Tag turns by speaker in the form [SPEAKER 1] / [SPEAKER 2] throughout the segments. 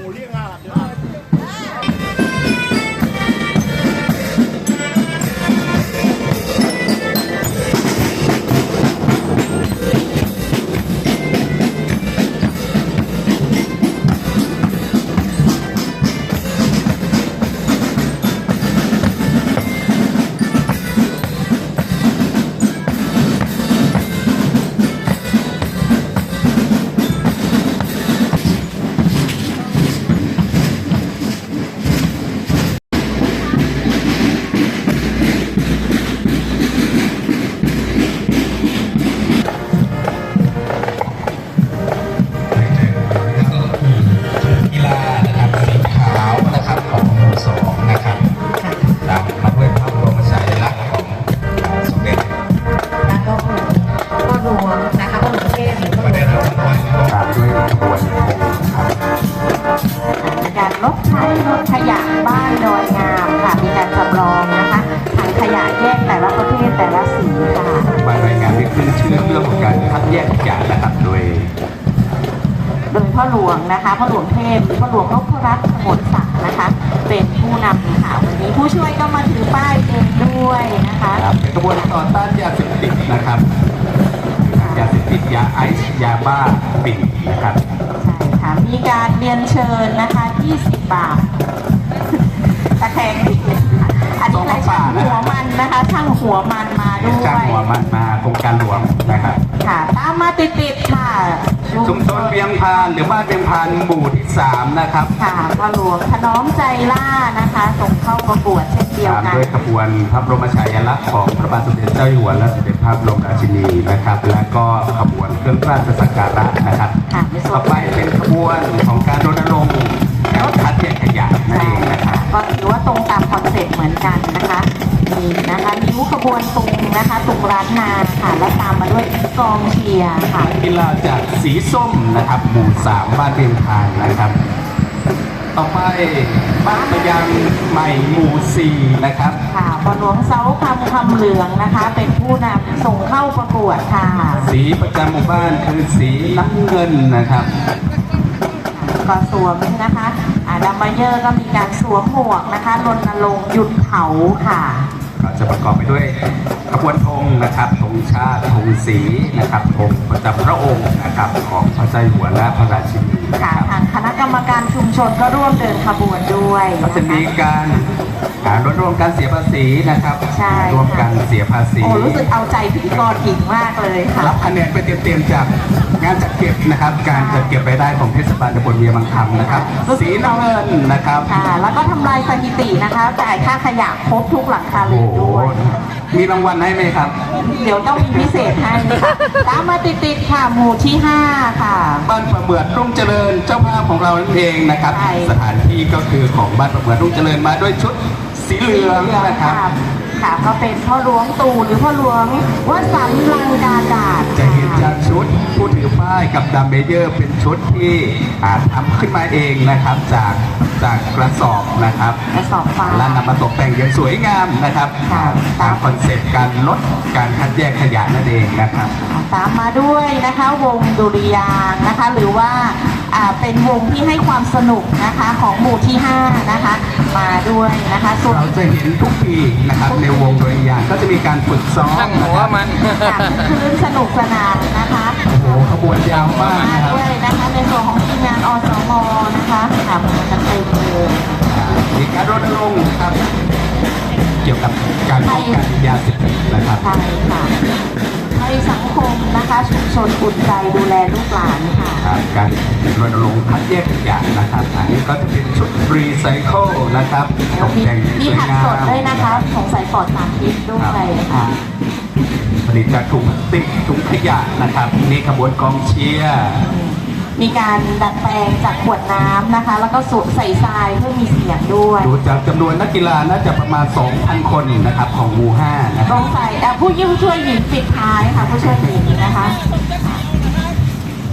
[SPEAKER 1] รถใช้รถขยะบ้านดอยงามค่ะมีการจำลองนะคะถังขยะแยกแต่ละประเภทแต่ละสีค่ะ
[SPEAKER 2] บ้านดอยงามมีขึ้นชื่อเรื่องของการคัดแยกขยะนะครับโดย
[SPEAKER 1] พ่อหลวงนะคะพ่อหลวงเทพพ่อหลวงนพรัตน์สมุทรศักดิ์นะคะเป็นผู้นำค่ะวันนี้ผู้ช่วยก็มาถือป้ายเองด้วยนะคะ
[SPEAKER 2] เป็นกระบวนต่อต้านยาเสพติดนะครับยาเสพติดยาไอซ์ยาบ้าปิ่นนะครับ
[SPEAKER 1] ใช่ค่ะมีการเรียนเชิญนะคะ20 บาทตะแคงอันนี้เลยช่างหัวมันนะคะช่างหัวมันมาด้วย
[SPEAKER 2] ช่างหัวมันมาโครงการหลวงนะครับ
[SPEAKER 1] ค่ะตามมาติดค่ะ
[SPEAKER 2] ชุมชนเวียงพานหรือบ้านเวียงพานหมู่ที่3นะครับ
[SPEAKER 1] ค่ะพ่อหลวงถนอมใจล่านะคะส่งเข้าประกวดเช่นเดียวกัน
[SPEAKER 2] ด้วยขบวนพระบรมฉายาลักษณ์ของพระบาทสมเด็จเจ้าอยู่หัวและสมเด็จพระบรมราชินีนะครับและก็ขบวนเครื่องราชสักการะนะครับต่อไปเป็นขบวนของการรณรงค์แล้วคัดแยกขยะนั่นเองนะครับ
[SPEAKER 1] ก็ถือว่าตรงตามคอนเซ็ปต์เหมือนกันนะคะนี่นะคะนิ้วขบวนตุงนะคะตุงร้านนาค่ะและตามมาด้วยกองเชียร์ค่ะ
[SPEAKER 2] กีฬาจากสีส้มนะครับหมู่3บ้านเวียงพานนะครับต่อไปบ้านพยังใหม่หมู่4นะครับ
[SPEAKER 1] ค่ะบอลหลวงเสาคำเหลืองนะคะเป็นผู้นำส่งเข้าประกวดค่ะ
[SPEAKER 2] สีประจำหมู่บ้านคือสีน้ำเงินนะครับ
[SPEAKER 1] ก็สวมนะคะดัมเบลเยอร์ก็มีการสวมหมวกนะคะรณรงค์หยุดเผาค่ะ
[SPEAKER 2] ก็จะประกอบไปด้วยขบวนธงนะครับธงชาติธงสีนะครับธงประจำพระองค์นะครับของพระเจ้าอยู่หัวและพระราชินี
[SPEAKER 1] ค่ะทางคณะกรรมการชุมชนก็ร่วมเดินขบวนด้วย
[SPEAKER 2] ก็จะมีการรณรงค์การเสียภาษีนะครับร่วมกันเสียภาษี
[SPEAKER 1] โอ้รู้สึกเอาใจพิธีกรหญิงมากเลยค่ะ
[SPEAKER 2] รับคะแนนไปเต็มๆจากงานจัดเก็บนะครับการจัดเก็บรายได้ของเทศบาลตำบลเวียงบางคำนะครับสีน้ำเงินนะครับ
[SPEAKER 1] ค่ะแล้วก็ทำลายสถิตินะคะจ่ายค่าขยะครบทุกหลังคาเรือนด้วย
[SPEAKER 2] มีรางวัลให้ไหมครับ
[SPEAKER 1] เดี๋ยวต้องมีพิเศษให้ค่ะตามมาติดๆค่ะหมู่ที่5ค่ะ
[SPEAKER 2] บ้านประเมือดรุ่งเจริญเจ้าภาพของเรานั่นเองนะครับสถานที่ก็คือของบ้านประเมือดรุ่งเจริญมาด้วยชุดสีเหลืองนะครับ
[SPEAKER 1] ค่ะก็เป็นพ่อหลวงตู่หรือพ่อหลวงวสันต์ลังกาดาษ
[SPEAKER 2] จะเห็นจากชุดผู้ถือป้ายกับดัมเบลเยอร์เป็นชุดที่ทำขึ้นมาเองนะครับจากกระสอบนะครับ
[SPEAKER 1] กระสอบฟ้า
[SPEAKER 2] และนำมาตกแต่งอย่างสวยงามนะครับตามคอนเซ็ปต์การลดการคัดแยกขยะนั่นเองนะครับ
[SPEAKER 1] ตามมาด้วยนะคะวงดุริยางค์นะคะหรือว่าเป็นวงที่ให้ความสนุกนะคะของหมู่ที่5นะคะมาด้วยนะคะ
[SPEAKER 2] เราจะเห็นทุกปีนะครับในวงดุริยางค์ก็จะมีการฝึกซ้อม
[SPEAKER 3] หัวมัน
[SPEAKER 1] คืนสนุกสนานนะคะ
[SPEAKER 2] โอ้ขบวนยาวมากนะครับ
[SPEAKER 1] ด้วยนะคะในส่วนของทีมงานอสมนะคะค่ะมันเต็มเลย
[SPEAKER 2] มีการรณรงค์ครับเกี่ยวกับการป้องกันยาเสพติดนะครับ
[SPEAKER 1] ใช่ค่ะให้สังคมนะคะชุมชนอุ่นใจดูแลลูกหลานค่ะ
[SPEAKER 2] การรณรงค์คัดแยกขยะนะครับอันนี้ก็จะเป็นชุดรีไซเคิลนะครับตกแต่ง
[SPEAKER 1] สวยงามมีผักสดด้วยนะคะของใส่ปลอดสารพิษด้วยค่ะ
[SPEAKER 2] ผลิตจากถุงติ๊กถุงขยะนะครับนี่ขบวนกองเชียร์
[SPEAKER 1] มีการดัดแปลงจากขวดน้ำนะคะแล้วก็สูบใส่ทรายเพื่อมีเสียงด้วย
[SPEAKER 2] ดูจากจำนวนนักกีฬาน่าจะประมาณ 2,000 คนนะครับของหมู่5นะครับ
[SPEAKER 1] ต้องใส่ผู้ช่วยหญิงปิดท้ายค่ะผู้ช่วยหญิงนะคะ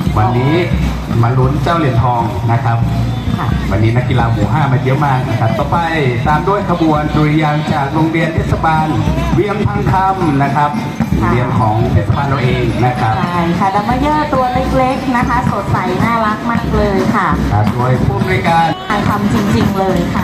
[SPEAKER 2] วันนี้มาลุ้นเจ้าเหรียญทองนะครับ
[SPEAKER 1] ค่ะ
[SPEAKER 2] วันนี้นักกีฬาหมู่ 5 มาเยอะมากนะครับ ต่อไปตามด้วยขบวนดุริยางค์จากโรงเรียนเทศบาลเวียงพังคำนะครับโรงเรียนของเทศบาลเราเองนะครับ
[SPEAKER 1] ใช่ค่ะดัมเบลเยอร์ตัวเล็กๆนะคะ สดใสน่ารักมากเลยค่ะ
[SPEAKER 2] โดยผู้บริการ
[SPEAKER 1] การทำจริงๆเลยค่ะ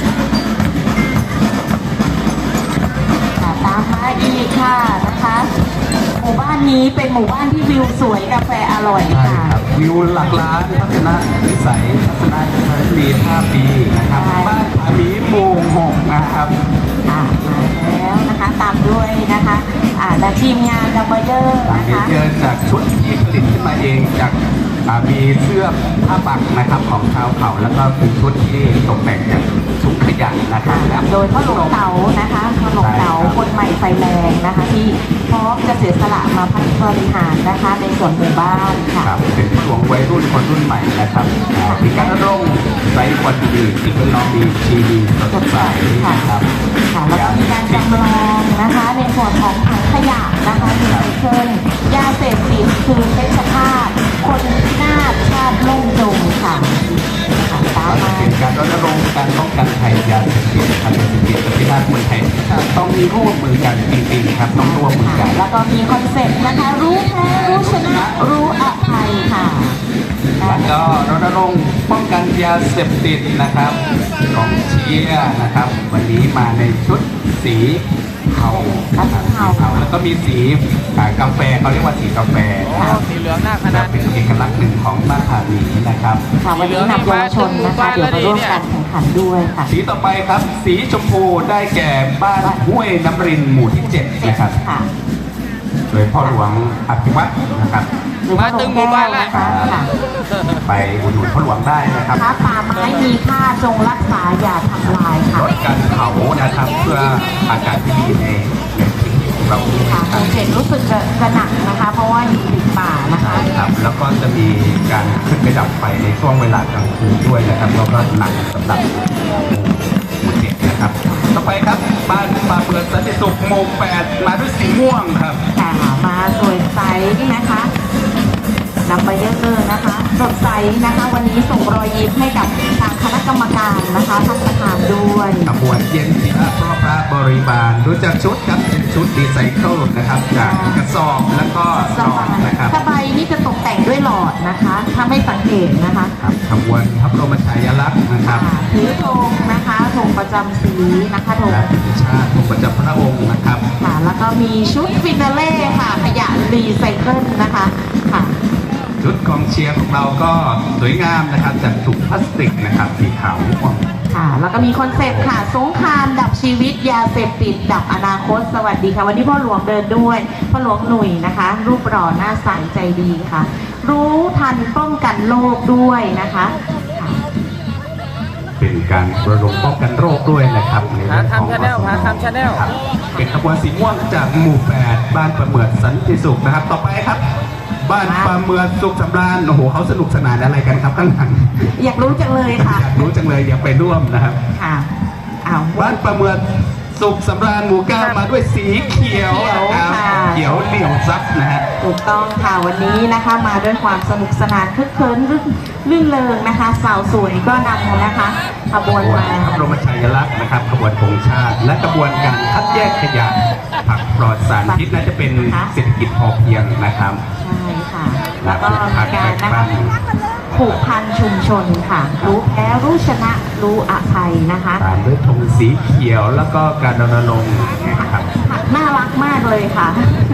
[SPEAKER 1] ตามมาอีกค่ะนะคะ หมู่บ้านนี้เป็นหมู่บ้านที่วิวสวยกาแฟอร่อย
[SPEAKER 2] ใช่
[SPEAKER 1] ค่ะ
[SPEAKER 2] ครับวิวหลักล้านทัศนวิสัยทัศนคติ5 ปีนะครับ
[SPEAKER 1] ใช่
[SPEAKER 2] บ้านผาหมีหมู่ 6 นะครับ
[SPEAKER 1] มาแล้วนะคะตามด้วยนะคะและทีมงานดัมเบลเยอร์
[SPEAKER 2] หลัง
[SPEAKER 1] นะ
[SPEAKER 2] นี้
[SPEAKER 1] คะ
[SPEAKER 2] เจอจากชุดที่ผลิตขึ้นมาเองจากมีเสื้อผ้าปักนะครับของชาวเขาแล้วก็เป็นชุดที่ตกแต่งจากถุงขยะนะครับ
[SPEAKER 1] โดยพ่อหลวงเต๋านะคะพ่อหลวงเต๋าคนใหม่ไฟแรงนะคะ ที่พร้อมจะเสียสละมาพัฒนาบริหารนะคะในส่วนหมู่บ้านค่ะ
[SPEAKER 2] ครับเป็นหลวงวัยรุ่นคนรุ่นใหม่นะครับมีการรณรงค์ไร้ควันดีสิ่งแวดล้อมดีชีวีสดใสนะครับ
[SPEAKER 1] ค่ะแล้วก็มีการจำลองนะคะในส่วนของถังขยะนะคะรีไซเคิลยาเสพติดคือเพชฌฆาตคนพินาศชาติล่มจมค่ะตามมา
[SPEAKER 2] เป็นการรณรงค์การป้องกันภัยยาเสพติดยาเสพติดกับพิษเมืองไทยต้องมีร่วมมือกันจริงๆครับต้องร่วมมือกัน
[SPEAKER 1] แล้วก็มีคอนเซ็ปต์นะคะรู้แพ้รู้ชนะรู้อภัยค่ะ
[SPEAKER 2] แล้วก็รณรงค์ป้องกันยาเสพติดนะครับของเชียร์นะครับ วันนี้มาในชุดสีเทานะครับสีเทาแล้วก็มีสีกาแฟเขาเรียกว่าสีกาแฟนะครับ
[SPEAKER 3] สีเหลืองหน้าคณะ
[SPEAKER 2] และเป็นเอกลักษณ์หนึ่งของบ้านผาหมีนะครับ
[SPEAKER 1] ค่ะวันนี้นำเยาวชนนะคะเดี๋ยวมาร่วมการแข่งขันด้วยค่ะ
[SPEAKER 2] สีต่อไปครับ สีชมพูได้แก่บ้านห้วยน้ำรินหมู่ที่ 7 นะครับ
[SPEAKER 1] ค่ะ
[SPEAKER 2] โดยพ่อหลวงอภิวัตรนะครับ
[SPEAKER 1] หรือว่าหลวงแก้วนะคะค่ะ
[SPEAKER 2] ไปอุดหนุนพ่อหลวงได้นะครับ
[SPEAKER 1] ถ้าป่าไม้มีค่าจงรักษาอย่าทำลายค่ะ
[SPEAKER 2] ลดการเผานะครับเพื่ออากาศที่ดีในพื้นที่ของเรา
[SPEAKER 1] ค่ะคอนเซ็ปต์รู้สึกจะหนักนะคะ เพราะว่าอยู่ติดป่านะคะ
[SPEAKER 2] ครับแล้วก็จะมีการขึ้นไปดับไฟในช่วงเวลากลางคืนด้วยนะครับแล้วก็หนักสำหรับหมู่เจ็ดนะครับ ต่อไปครับบ้านป่าเปิดสันติสุขหมู่8มาด้วยสีม่วงครับ
[SPEAKER 1] ค่ะมาสวยใสนะคะดัมเบลเยอร์นะคะสดใสนะคะ วันนี้ส่งรอยยิ้มให้กับทางคณะกรรมการนะคะท่านประธานด้วย
[SPEAKER 2] ขบวนเย็นศิลาพ่อพระบริบาลรู้จักชุดครับเป็นชุดรีไซเคิลนะครับจากกระสอบแล้วก็
[SPEAKER 1] ส
[SPEAKER 2] หลอบ
[SPEAKER 1] า
[SPEAKER 2] ด
[SPEAKER 1] ย
[SPEAKER 2] นะครับ
[SPEAKER 1] สบายนี่จะตกแต่งด้วยหลอดนะคะถ้าไม่สังเกตนะคะ
[SPEAKER 2] ครับขบวนพระบรมฉายาลักษณ์นะครับ
[SPEAKER 1] ถือธงนะคะธงประจำสีนะคะธง
[SPEAKER 2] และธงชาติธงประจำพระองค์นะครับ
[SPEAKER 1] ค่ะแล้วก็มีชุดฟินาเล่ค่ะขยะรีไซเคิลนะคะค่ะ
[SPEAKER 2] ชุดกองเชียร์ของเราก็สวยงามนะครับจากถุงพลาสติกนะครับสีขาวม่วง
[SPEAKER 1] ค่ะแล้วก็มีคอนเซ็ปต์ค่ะสงครามดับชีวิตยาเสพติดดับอนาคตสวัสดีค่ะวันนี้พ่อหลวงเดินด้วยพ่อหลวงหนุ่ยนะคะ รูปหล่อหน้าใสใจดีค่ะ รู้ทันป้องกันโรคด้วยนะคะค่ะ
[SPEAKER 2] เป็นการรณรงค์ป้องกันโรคด้วยนะครับในเรื่องของ
[SPEAKER 3] หาทำ Channel หาทำ Channel
[SPEAKER 2] ครับเป็นขบวนสีม่วงจากหมู่ 8 บ้านประเมิดสันติสุขนะครับ ต่อไปครับ บ้านประเมิดสุขสำราญโอ้โหเขาสนุกสนานอะไรกันครับข้างหลัง
[SPEAKER 1] อยากรู้จังเลยค่ะ
[SPEAKER 2] อยากรู้จังเลยอยากไปร่วมนะครับ
[SPEAKER 1] ค่ะอ้าว
[SPEAKER 2] บ้านประเมิดสุขสำราญหมู่ 9 มาด้วยสีเขียวนะครับ
[SPEAKER 1] ค่ะ
[SPEAKER 2] เขียวเหลี่ยวซับนะฮะ
[SPEAKER 1] ถูกต้องค่ะวันนี้นะคะมาด้วยความสนุกสนานคึกคืนรื่นเริงนะคะ สาวสวยก็นำนะคะขบวน
[SPEAKER 2] ขบวน
[SPEAKER 1] มา
[SPEAKER 2] พระบรมฉายาลักษณ์นะครับขบวนธงชาติ และขบวนการคัดแยกขยะผักปลอดสารพิษน่าจะเป็นเศรษฐกิจพอเพียงนะครับ
[SPEAKER 1] ใช่ค่ะ แล้วก็มีการนะคะผูกพันชุมชนค่ะ รู้แพ้รู้ชนะรู้อภัยนะคะ
[SPEAKER 2] ตามด้วยธงสีเขียวแล้วก็การรณรงค์นะครับ
[SPEAKER 1] น่ารักมากเลยค่ะ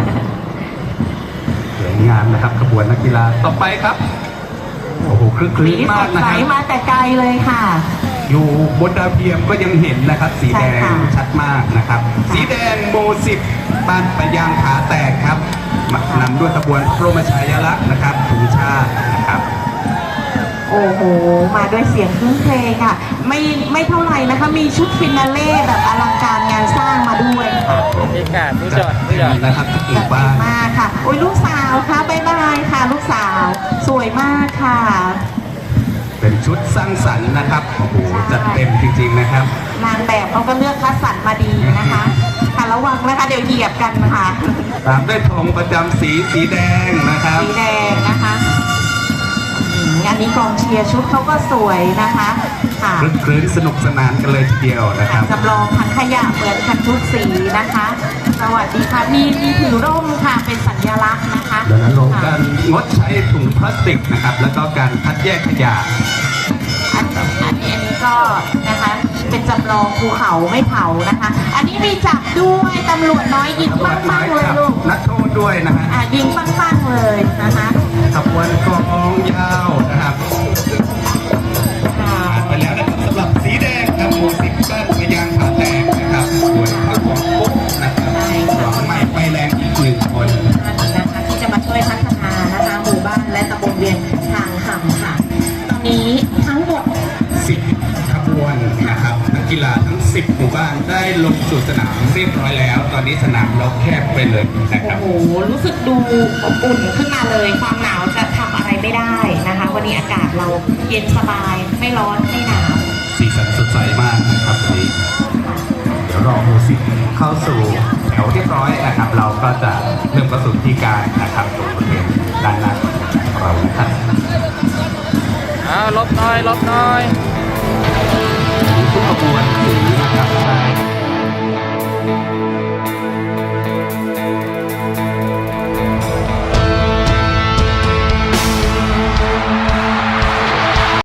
[SPEAKER 2] สวยงามนะครับขบวนนักกีฬาต่อไปครับโอ้โหคลึกค
[SPEAKER 1] สี
[SPEAKER 2] ลื้น
[SPEAKER 1] ส
[SPEAKER 2] มาก
[SPEAKER 1] ด
[SPEAKER 2] นะ
[SPEAKER 1] ใส
[SPEAKER 2] ครับ
[SPEAKER 1] มาแต่ไกลเลยค่ะ
[SPEAKER 2] อยู่บนดาวเทียมก็ยังเห็นนะครับสีแดง
[SPEAKER 1] ใช่ค่ะ
[SPEAKER 2] ชัดมากนะครับ สีแดงโมสิบบ้านปะยางขาแตกครับนำด้วยขบวนพระบรมฉายาลักษณ์นะครับธงชาตินะครับ
[SPEAKER 1] โอ้โห มาด้วยเสียงเครื่องเพลงค่ะ ไม่เท่าไหร่นะคะ มีชุดฟินาเล่แบบอลังการงานสร้างมาด้วยค่ะ
[SPEAKER 3] มีการมีจ
[SPEAKER 2] จั
[SPEAKER 3] อ
[SPEAKER 2] ด
[SPEAKER 3] ดมี
[SPEAKER 2] เต็
[SPEAKER 3] จอ
[SPEAKER 2] ม
[SPEAKER 3] ด
[SPEAKER 2] นะครับทุกห
[SPEAKER 1] จั
[SPEAKER 2] มู่
[SPEAKER 1] ด
[SPEAKER 2] บ้าน
[SPEAKER 1] มากค่ะ โอ้ยลูกสาวค่ะบ๊ายบายค่ะ ลูกสาว สวยมากค่ะ
[SPEAKER 2] เป็นชุดสร้างสรรค์นะครับโอ้โหจัดเต็มจริงๆนะครับ
[SPEAKER 1] นางแบบเขาก็เลือกคัดสรรมาดีนะคะค่ะระวังนะคะ เดี๋ยวเหยียบกันค่ะ
[SPEAKER 2] ตามด้วยธงประจำสีแดงนะครับ
[SPEAKER 1] สีแดงนะคะอันนี้กองเชียร์ชุดเขาก็สวยนะคะค่ะ
[SPEAKER 2] คลึกคลื้นสนุกสนานกันเลยทีเดียวนะครับ
[SPEAKER 1] จำลองถังขยะเหมือนกันทุกสีนะคะ สวัสดีค่ะมีถือร่มค่ะเป็นสัญลักษณ์นะคะ
[SPEAKER 2] รณรงค์การงดใช้ถุงพลาสติกนะครับ แล้วก็การคัดแยกขยะ
[SPEAKER 1] อันนี้ก็นะคะเป็นจำลองภูเขาไม่เผานะคะ อันนี้มีจับด้วยตำรวจน้อยยิงปั้งๆเลยลูก
[SPEAKER 2] นักโทษด้วยนะฮะ
[SPEAKER 1] ยิงปั้งๆเลยนะคะ
[SPEAKER 2] ขบวนกองยาวนะครับ
[SPEAKER 1] ค่ะ
[SPEAKER 2] ไปแล้วนะครับสำหรับสีแดงครับหมู่สิบบ้านพยางผาแตกนะครับส่วนข้าวของปุ๊บนะครับหวังไม่ไฟแรงอีกหนึ่งคน
[SPEAKER 1] นะคะที่จะมาช่วยพัฒนานะคะหมู่บ้านและตำบลเวียงทางคำค่ะ ตอนนี้ทั้งหมด
[SPEAKER 2] 10 ขบวนนะครับนักกีฬาทั้ง 10 หมู่บ้านได้ลงสู่สนามเรียบร้อยแล้ว ตอนนี้สนามเราแคบไปเลยนะครับ
[SPEAKER 1] โอ้โห รู้สึกดูอบอุ่นขึ้นมาเลย ความหนาวจะทำอะไรไม่ได้นะคะ วันนี้อากาศเราเย็นสบาย ไม่ร้อนไม่หนาว
[SPEAKER 2] สีสันสดใสมากนะครับวันนี้เดี๋ยวรอหมู่10เข้าสู่แถวเรียบร้อยนะครับ เราก็จะเริ่มเข้าสู่พิธีการนะครับตรงบริเวณด้านหน้าของเรานะครับ
[SPEAKER 3] อ้าวลบหน่อย
[SPEAKER 2] ทุกขบวนสีนะครับได้